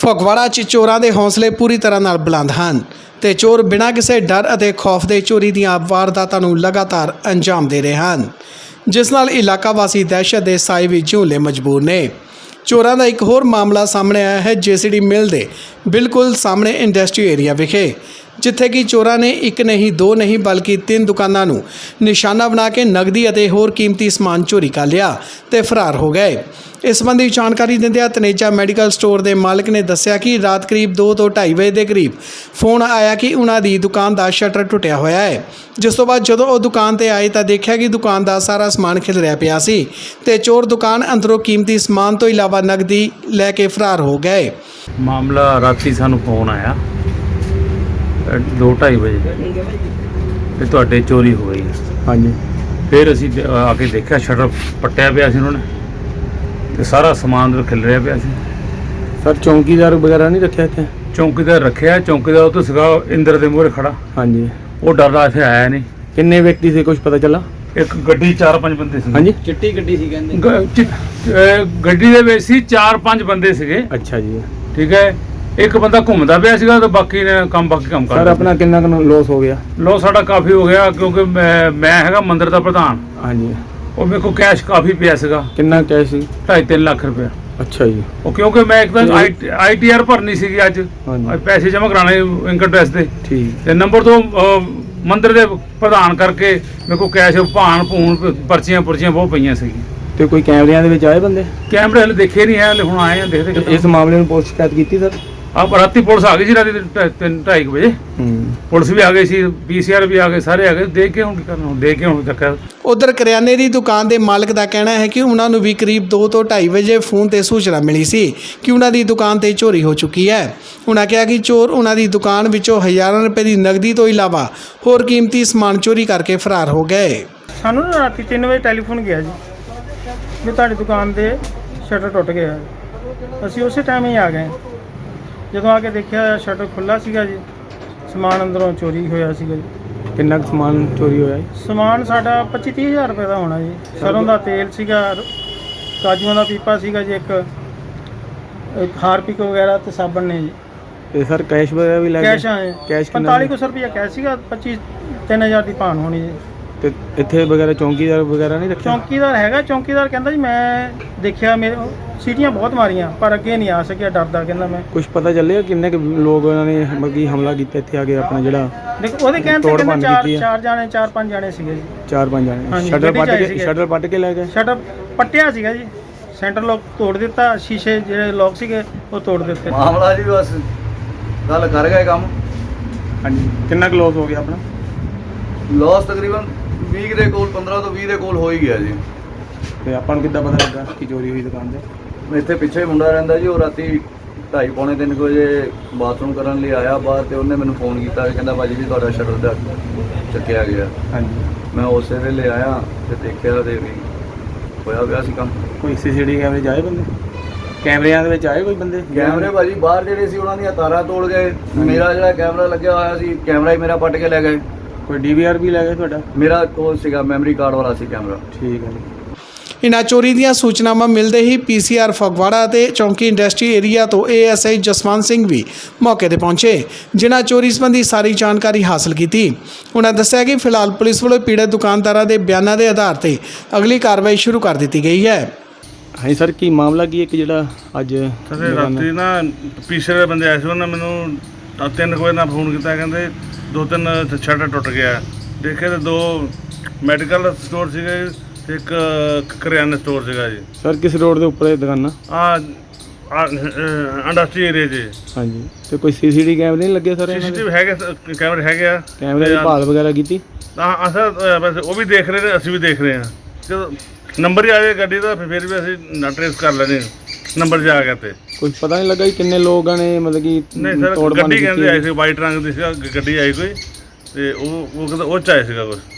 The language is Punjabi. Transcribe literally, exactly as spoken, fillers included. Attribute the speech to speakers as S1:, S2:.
S1: ਫਗਵਾੜਾ 'ਚ ਚੋਰਾਂ ਦੇ ਹੌਸਲੇ ਪੂਰੀ ਤਰ੍ਹਾਂ ਨਾਲ ਬੁਲੰਦ ਹਨ ਤੇ ਚੋਰ ਬਿਨਾਂ ਕਿਸੇ ਡਰ ਅਤੇ ਖੌਫ ਦੇ ਚੋਰੀ ਦੀਆਂ ਵਾਰਦਾਤਾਂ ਨੂੰ ਲਗਾਤਾਰ ਅੰਜਾਮ ਦੇ ਰਹੇ ਹਨ, ਜਿਸ ਨਾਲ ਇਲਾਕਾ ਵਾਸੀ ਦਹਿਸ਼ਤ ਦੇ ਸਾਏ ਵਿੱਚ ਝੂਲੇ ਮਜਬੂਰ ਨੇ। ਚੋਰਾਂ ਦਾ ਇੱਕ ਹੋਰ ਮਾਮਲਾ ਸਾਹਮਣੇ ਆਇਆ ਹੈ ਜੇਸੀਡੀ ਮਿਲ ਦੇ ਬਿਲਕੁਲ ਸਾਹਮਣੇ ਇੰਡਸਟਰੀ ਏਰੀਆ ਵਿਖੇ, ਜਿੱਥੇ ਕਿ ਚੋਰਾਂ ਨੇ ਇੱਕ ਨਹੀਂ ਦੋ ਨਹੀਂ ਬਲਕਿ ਤਿੰਨ ਦੁਕਾਨਾਂ ਨੂੰ ਨਿਸ਼ਾਨਾ ਬਣਾ ਕੇ ਨਗਦੀ ਅਤੇ ਹੋਰ ਕੀਮਤੀ ਸਮਾਨ ਚੋਰੀ ਕਰ ਲਿਆ ਤੇ ਫਰਾਰ ਹੋ ਗਏ। ਇਸ ਸੰਬੰਧੀ ਜਾਣਕਾਰੀ ਦਿੰਦਿਆਂ ਤਨੇਜਾ ਮੈਡੀਕਲ ਸਟੋਰ ਦੇ ਮਾਲਕ ਨੇ ਦੱਸਿਆ ਕਿ ਰਾਤ ਕਰੀਬ ਦੋ ਤੋਂ ਢਾਈ ਵਜੇ ਦੇ ਕਰੀਬ ਫੋਨ ਆਇਆ ਕਿ ਉਹਨਾਂ ਦੀ ਦੁਕਾਨ ਦਾ ਸ਼ਟਰ ਟੁੱਟਿਆ ਹੋਇਆ ਹੈ, ਜਿਸ ਤੋਂ ਬਾਅਦ ਜਦੋਂ ਉਹ ਦੁਕਾਨ ਤੇ ਆਏ ਤਾਂ ਦੇਖਿਆ ਕਿ ਦੁਕਾਨ ਦਾ ਸਾਰਾ ਸਮਾਨ ਖਿਲਰਿਆ ਪਿਆ ਸੀ ਤੇ ਚੋਰ ਦੁਕਾਨ ਅੰਦਰੋਂ ਕੀਮਤੀ ਸਮਾਨ ਤੋਂ ਇਲਾਵਾ ਨਗਦੀ ਲੈ ਕੇ ਫਰਾਰ ਹੋ ਗਏ।
S2: ਮਾਮਲਾ ਰਾਤੀ ਸਾਨੂੰ ਫੋਨ ਆਇਆ ਦੋ ਢਾਈ ਵਜੇ ਤੇ ਤੁਹਾਡੇ ਚੋਰੀ ਹੋ ਗਈ।
S3: ਹਾਂਜੀ,
S2: ਫਿਰ ਅਸੀਂ ਦ- ਆ ਕੇ ਦੇਖਿਆ ਸ਼ਟਰ ਪੱਟਿਆ ਪਿਆ ਸੀ ਉਹਨਾਂ ਨੇ ਤੇ ਸਾਰਾ ਸਮਾਨ ਖਿਲ ਰਿਹਾ ਪਿਆ ਸੀ।
S3: ਸਰ ਚੌਂਕੀਦਾਰ ਵਗੈਰਾ ਨਹੀਂ ਰੱਖਿਆ ਇੱਥੇ?
S2: ਚੌਂਕੀਦਾਰ ਰੱਖਿਆ, ਚੌਂਕੀਦਾਰ ਉਹ ਤੋਂ ਸੀਗਾ ਇੰਦਰ ਦੇ ਮੂਹਰੇ ਖੜਾ,
S3: ਹਾਂਜੀ।
S2: ਉਹ ਡਰਦਾ ਇੱਥੇ ਆਇਆ ਨਹੀਂ।
S3: ਕਿੰਨੇ ਵਿਅਕਤੀ ਸੀ, ਕੁਝ ਪਤਾ ਚੱਲਾ?
S2: ਇੱਕ ਗੱਡੀ ਚਾਰ ਪੰਜ ਬੰਦੇ ਸੀ।
S3: ਹਾਂਜੀ,
S4: ਚਿੱਟੀ ਗੱਡੀ ਸੀ ਕਹਿੰਦੇ।
S2: ਗ- ਚਿ- ਅਹ ਗੱਡੀ ਦੇ ਵਿੱਚ ਸੀ ਚਾਰ ਪੰਜ ਬੰਦੇ ਸੀਗੇ,
S3: ਅੱਛਾ ਜੀ।
S2: ਠੀਕ ਹੈ। ਇੱਕ ਬੰਦਾ ਘੁੰਮਦਾ ਪਿਆ ਸੀਗਾ ਤੇ ਬਾਕੀ ਨੇ ਕੰਮ ਬਾਕੀ ਕੰਮ
S3: ਸਰ
S2: ਕਰਦਾ।
S3: ਆਪਣਾ ਕਿੰਨਾ ਕੁ ਲੋਸ ਹੋ ਗਿਆ?
S2: ਲੋ ਸਾਡਾ ਕਾਫੀ ਹੋ ਗਿਆ ਕਿਉਂਕਿ ਮੈਂ ਮੈਂ ਹੈਗਾ ਮੰਦਿਰ ਦਾ ਪ੍ਰਧਾਨ,
S3: ਹਾਂਜੀ।
S2: ਉਹ ਮੇਰੇ ਕੋਲ ਕੈਸ਼ ਕਾਫੀ ਪਿਆ ਸੀਗਾ,
S3: ਕਿੰਨਾ ਕੈਸ਼ ਸੀ?
S2: ਢਾਈ ਤਿੰਨ ਲੱਖ ਰੁਪਇਆ।
S3: ਅੱਛਾ ਜੀ।
S2: ਉਹ ਕਿਉਂਕਿ ਮੈਂ ਇੱਕ ਤਾਂ ਆਈ ਟੀ ਆਰ ਭਰਨੀ ਸੀਗੀ ਅੱਜ,
S3: ਹਾਂਜੀ।
S2: ਅੱਜ ਪੈਸੇ ਜਮ੍ਹਾਂ ਕਰਾਣੇ ਇਨਕਮ ਟੈਕਸ ਦੇ,
S3: ਠੀਕ।
S2: ਤੇ ਨੰਬਰ ਤੋਂ ਅਹ, ਮੰਦਿਰ ਦੇ ਪ੍ਰਧਾਨ ਕਰਕੇ ਮੇਰੇ ਕੋਲ ਕੈਸ਼ ਭਾਣ ਭੂਣ ਪਰਚੀਆਂ ਪੁਰਚੀਆਂ ਬਹੁਤ ਪਈਆਂ ਸੀਗੀਆਂ।
S3: ਤੇ ਕੋਈ ਕੈਮਰਿਆਂ ਦੇ ਵਿੱਚ ਆਏ ਬੰਦੇ?
S2: ਕੈਮਰੇ ਹਲੇ ਦੇਖੇ ਨਹੀਂ ਹੈ, ਹਲੇ ਹੁਣ ਆਏ ਆ ਦੇਖਦੇ
S3: ਇਸ ਮਾਮਲੇ ਨੂੰ ਪੁਲਿਸ ਸ਼ਿਕਾਇਤ ਕੀਤੀ ਸਰ?
S2: ਆਪ ਰਾਤੀ ਪੁਲਿਸ ਆ ਗਈ ਸੀ, ਰਾਤੀ ਢਾਈ- ਤਿੰਨ ਢਾਈ ਕੁ ਵਜੇ
S3: ਹੂੰ।
S2: ਪੁਲਿਸ ਵੀ ਆ ਗਈ ਸੀ, ਪੀ ਸੀ ਆਰ ਵੀ ਆ ਗਏ, ਸਾਰੇ ਆ ਗਏ। ਦੇਖ ਕੇ ਹੁਣ ਕੀ ਕਰਨਾ, ਹੁਣ ਦੇਖ ਕੇ ਹੁਣ ਚੱਕਰ।
S1: ਉਧਰ ਕਰਿਆਨੇ ਦੀ ਦੁਕਾਨ ਦੇ ਮਾਲਕ ਦਾ ਕਹਿਣਾ ਹੈ ਕਿ ਉਹਨਾਂ ਨੂੰ ਵੀ ਕਰੀਬ ਦੋ ਤੋਂ ਢਾਈ ਵਜੇ ਫੋਨ ਤੇ ਸੂਚਨਾ ਮਿਲੀ ਸੀ ਕਿ ਉਹਨਾਂ ਦੀ ਦੁਕਾਨ ਤੇ ਚੋਰੀ ਹੋ ਚੁੱਕੀ ਹੈ। ਉਹਨਾਂ ਕਿਹਾ ਕਿ ਚੋਰ ਉਹਨਾਂ ਦੀ ਦੁਕਾਨ ਵਿੱਚੋਂ ਹਜ਼ਾਰਾਂ ਰੁਪਏ ਦੀ ਨਗਦੀ ਤੋਂ ਇਲਾਵਾ ਹੋਰ ਕੀਮਤੀ ਸਮਾਨ ਚੋਰੀ ਕਰਕੇ ਫਰਾਰ ਹੋ ਗਏ।
S5: ਸਾਨੂੰ ਨਾ ਰਾਤੀ ਤਿੰਨ ਵਜੇ ਟੈਲੀਫੋਨ ਗਿਆ ਜੀ ਵੀ ਤੁਹਾਡੀ ਦੁਕਾਨ ਦੇ ਸ਼ਟਰ ਟੁੱਟ ਗਿਆ। ਅਸੀਂ ਉਸੇ ਟਾਈਮ ਹੀ ਆ ਗਏ। ਜਦੋਂ ਆ ਕੇ ਦੇਖਿਆ ਸ਼ਟਰ ਖੁੱਲ੍ਹਾ ਸੀਗਾ ਜੀ, ਸਮਾਨ ਅੰਦਰੋਂ ਚੋਰੀ ਹੋਇਆ ਸੀਗਾ ਜੀ।
S3: ਕਿੰਨਾ ਕੁ ਸਮਾਨ ਚੋਰੀ ਹੋਇਆ ਜੀ?
S5: ਸਮਾਨ ਸਾਡਾ ਪੱਚੀ ਤੀਹ ਹਜ਼ਾਰ ਰੁਪਏ ਦਾ ਹੋਣਾ ਜੀ। ਸਰੋਂ ਦਾ ਤੇਲ ਸੀਗਾ, ਕਾਜੂਆਂ ਦਾ ਪੀਪਾ ਸੀਗਾ ਜੀ, ਇੱਕ ਇੱਕ ਹਾਰਪਿਕ ਵਗੈਰਾ ਤੇ ਸਾਬਣ ਨੇ ਜੀ।
S3: ਤੇ ਸਰ ਕੈਸ਼ ਵਗੈਰਾ ਵੀ ਲੈ ਗਏ?
S5: ਕੈਸ਼ ਆਏ
S3: ਕੈਸ਼ ਕਿੰਨਾ?
S5: ਪੰਤਾਲੀ ਕੁ ਸੌ ਰੁਪਇਆ ਕੈਸ਼ ਸੀਗਾ, ਪੱਚੀ ਤਿੰਨ ਹਜ਼ਾਰ ਦੀ ਭਾਣ ਹੋਣੀ ਜੀ।
S3: ਤੇ ਇੱਥੇ ਵਗੈਰਾ ਚੌਂਕੀਦਾਰ ਵਗੈਰਾ ਨਹੀਂ ਰੱਖਿਆ?
S5: ਚੌਂਕੀਦਾਰ ਹੈਗਾ, ਚੌਂਕੀਦਾਰ ਕਹਿੰਦਾ ਜੀ ਮੈਂ ਦੇਖਿਆ, ਮੇਰੇ ਸੀਟੀਆਂ ਬਹੁਤ ਮਾਰੀਆਂ ਪਰ ਅੱਗੇ ਨਹੀਂ ਆ ਸਕਿਆ, ਡਰਦਾ ਕਹਿੰਦਾ ਮੈਂ।
S3: ਕੁਝ ਪਤਾ ਚੱਲਿਆ ਕਿੰਨੇ ਕੁ ਲੋਕ ਉਹਨਾਂ ਨੇ ਮੱਗੀ ਹਮਲਾ ਕੀਤਾ ਇੱਥੇ ਆ ਕੇ ਆਪਣਾ ਜਿਹੜਾ
S5: ਦੇਖੋ ਉਹਦੇ ਕਹਿਣ ਤੇ
S3: ਤੋੜ
S5: ਕਹਿੰਦੇ
S3: ਭੰਨ
S5: ਚਾਰ
S3: ਕੀਤੀ ਹੈ।
S5: ਚਾਰ ਜਾਣੇ ਚਾਰ ਪੰਜ ਜਾਣੇ ਸੀਗੇ ਜੀ।
S3: ਚਾਰ ਪੰਜ ਜਾਣੇ
S5: ਹਾਂਜੀ,
S3: ਸ਼ਟਰ
S5: ਗੱਡੀ
S3: ਪੱਟ
S5: ਚ ਆਏ
S3: ਕੇ
S5: ਸੀਗੇ।
S3: ਸ਼ਟਰ ਪੱਟ ਕੇ ਲੈ ਗਏ?
S5: ਸ਼ਟਰ ਪੱਟਿਆ ਸੀਗਾ ਜੀ, ਸੈਂਟਰ ਲੋਕ ਤੋੜ ਦਿੱਤਾ, ਸ਼ੀਸ਼ੇ ਜਿਹੜੇ ਲੋਕ ਸੀਗੇ ਉਹ ਤੋੜ ਦਿੱਤੇ।
S4: ਮਾਮਲਾ ਜੀ ਬਸ ਗੱਲ ਕਰ ਗਏ ਕੰਮ।
S3: ਹਾਂਜੀ। ਕਿੰਨਾ ਕੁ ਲੋਸ ਹੋ ਗਿਆ ਆਪਣਾ?
S4: ਲਾਸ ਤਕਰੀਬਨ ਵੀਹ ਦੇ ਕੋਲ, ਪੰਦਰਾਂ ਤੋਂ ਵੀਹ ਦੇ ਕੋਲ ਹੋ ਹੀ ਗਿਆ ਜੀ।
S3: ਤੇ ਆਪਾਂ ਨੂੰ ਕਿੱਦਾਂ ਪਤਾ ਲੱਗਾ ਕਿ ਚੋਰੀ ਹੋਈ ਦੁਕਾਨ ਤੇ?
S4: ਇੱਥੇ ਪਿੱਛੇ ਮੁੰਡਾ ਰਹਿੰਦਾ ਜੀ, ਉਹ ਰਾਤੀ ਢਾਈ ਪੌਣੇ ਤਿੰਨ ਕੁ ਵਜੇ ਬਾਥਰੂਮ ਕਰਨ ਲਈ ਆਇਆ ਬਾਹਰ, ਤੇ ਉਹਨੇ ਮੈਨੂੰ ਫੋਨ ਕੀਤਾ ਕਿ ਕਹਿੰਦਾ ਭਾਜੀ ਜੀ ਤੁਹਾਡਾ ਸ਼ਟਰ ਦਾ ਚੱਕਿਆ ਗਿਆ।
S3: ਹਾਂਜੀ।
S4: ਮੈਂ ਉਸੇ ਵੇਲੇ ਆਇਆ ਤੇ ਦੇਖਿਆ ਤੇ ਵੀ ਹੋਇਆ ਪਿਆ ਸੀ ਕੰਮ।
S3: ਕੋਈ ਸੀਸੀਟੀਵੀ ਕੈਮਰੇ 'ਚ ਆਏ ਬੰਦੇ? ਕੈਮਰਿਆਂ ਦੇ ਵਿੱਚ ਆਏ ਕੋਈ ਬੰਦੇ?
S4: ਕੈਮਰੇ ਭਾਜੀ ਬਾਹਰ ਜਿਹੜੇ ਸੀ ਉਹਨਾਂ ਦੀਆਂ ਤਾਰਾਂ ਤੋੜ ਗਏ। ਮੇਰਾ ਜਿਹੜਾ ਕੈਮਰਾ ਲੱਗਿਆ ਹੋਇਆ ਸੀ, ਕੈਮਰਾ ਹੀ ਮੇਰਾ ਪੱਟ ਕੇ ਲੈ ਗਏ।
S3: ਕੋਈ ਡੀ ਵੀ ਆਰ ਵੀ ਲੈ ਗਏ ਤੁਹਾਡਾ?
S4: ਮੇਰਾ ਕੋਲ ਸੀਗਾ ਮੈਮਰੀ ਕਾਰਡ ਵਾਲਾ ਸੀ ਕੈਮਰਾ।
S3: ਠੀਕ ਹੈ ਜੀ।
S1: ਇਨ੍ਹਾਂ ਚੋਰੀ ਦੀਆਂ ਸੂਚਨਾਵਾਂ ਮਿਲਦੇ ਹੀ ਪੀ ਸੀ ਆਰ ਫਗਵਾੜਾ ਅਤੇ ਚੌਂਕੀ ਇੰਡਸਟਰੀ ਏਰੀਆ ਤੋਂ A S I Jaswant Singh ਵੀ ਮੌਕੇ ਤੇ ਪਹੁੰਚੇ, ਜਿਨ੍ਹਾਂ ਚੋਰੀ ਸੰਬੰਧੀ ਸਾਰੀ ਜਾਣਕਾਰੀ ਹਾਸਲ ਕੀਤੀ। ਉਹਨਾਂ ਦੱਸਿਆ ਕਿ ਫਿਲਹਾਲ ਪੁਲਿਸ ਵੱਲੋਂ ਪੀੜਤ ਦੁਕਾਨਦਾਰਾਂ ਦੇ ਬਿਆਨਾਂ ਦੇ ਆਧਾਰ ਤੇ ਅਗਲੀ ਕਾਰਵਾਈ ਸ਼ੁਰੂ ਕਰ ਦਿੱਤੀ ਗਈ ਹੈ।
S3: ਹਾਂਜੀ ਸਰ, ਕੀ ਮਾਮਲਾ ਕੀ ਹੈ ਕਿ ਜਿਹੜਾ ਅੱਜ
S2: ਸਰ ਰਾਤੀ ਨਾ ਪੀਸਰੇ ਦੇ ਬੰਦੇ ਆਏ ਸੀ, ਉਹਨਾਂ ਮੈਨੂੰ ਤਿੰਨ ਕੁ ਵਜੇ ਨਾਲ ਫੋਨ ਕੀਤਾ, ਕਹਿੰਦੇ ਦੋ ਤਿੰਨ ਸ਼ਟਰ ਟੁੱਟ ਗਿਆ। ਦੇਖੇ ਤਾਂ ਦੋ ਮੈਡੀਕਲ ਸਟੋਰ ਸੀਗੇ, ਇੱਕ ਕਰਿਆਨਾ ਸਟੋਰ ਸੀਗਾ ਜੀ।
S3: ਸਰ ਕਿਸ ਰੋਡ ਦੇ ਉੱਪਰ ਇਹ ਦੁਕਾਨਾਂ?
S2: ਆ ਇੰਡਸਟਰੀ ਏਰੀਆ 'ਚ।
S3: ਹਾਂਜੀ। ਤੇ ਕੋਈ ਸੀਸੀਟੀਵੀ ਕੈਮਰੇ ਨਹੀਂ ਲੱਗੇ ਸਰ?
S2: ਸੀਸੀਟੀਵੀ ਹੈਗੇ, ਕੈਮਰੇ ਹੈਗੇ ਆ।
S3: ਕੈਮਰੇ ਦੀ ਭਾਲ ਵਗੈਰਾ ਕੀਤੀ?
S2: ਹਾਂ ਅਸਾਂ ਵੈਸੇ ਉਹ ਵੀ ਦੇਖ ਰਹੇ ਨੇ, ਅਸੀਂ ਵੀ ਦੇਖ ਰਹੇ ਹਾਂ। ਜਦੋਂ ਨੰਬਰ ਹੀ ਆ ਜਾਏ ਗੱਡੀ ਦਾ ਫਿਰ ਵੀ ਅਸੀਂ ਨਾ ਟਰੇਸ ਕਰ ਲੈਣੇ, ਨੰਬਰ ਜਾ ਗਿਆ ਤੇ।
S3: ਕੁਝ ਪਤਾ ਨਹੀਂ ਲੱਗਾ ਕਿ ਕਿੰਨੇ ਲੋਕਾਂ ਨੇ ਮਤਲਬ ਕਿ
S2: ਨਹੀਂ ਸਰ,
S3: ਤੋੜ ਭੰਨ
S2: ਗੱਡੀ ਕਹਿੰਦੇ ਆਈ
S3: ਕੀਤੀ?
S2: ਸੀ, ਵਾਈਟ ਰੰਗ ਦੀ ਸੀ ਗੱਡੀ ਆਈ ਕੋਈ, ਤੇ ਉਹ ਉਹ ਕਹਿੰਦਾ ਉਹ 'ਚ ਆਏ ਸੀਗਾ ਕੁਛ।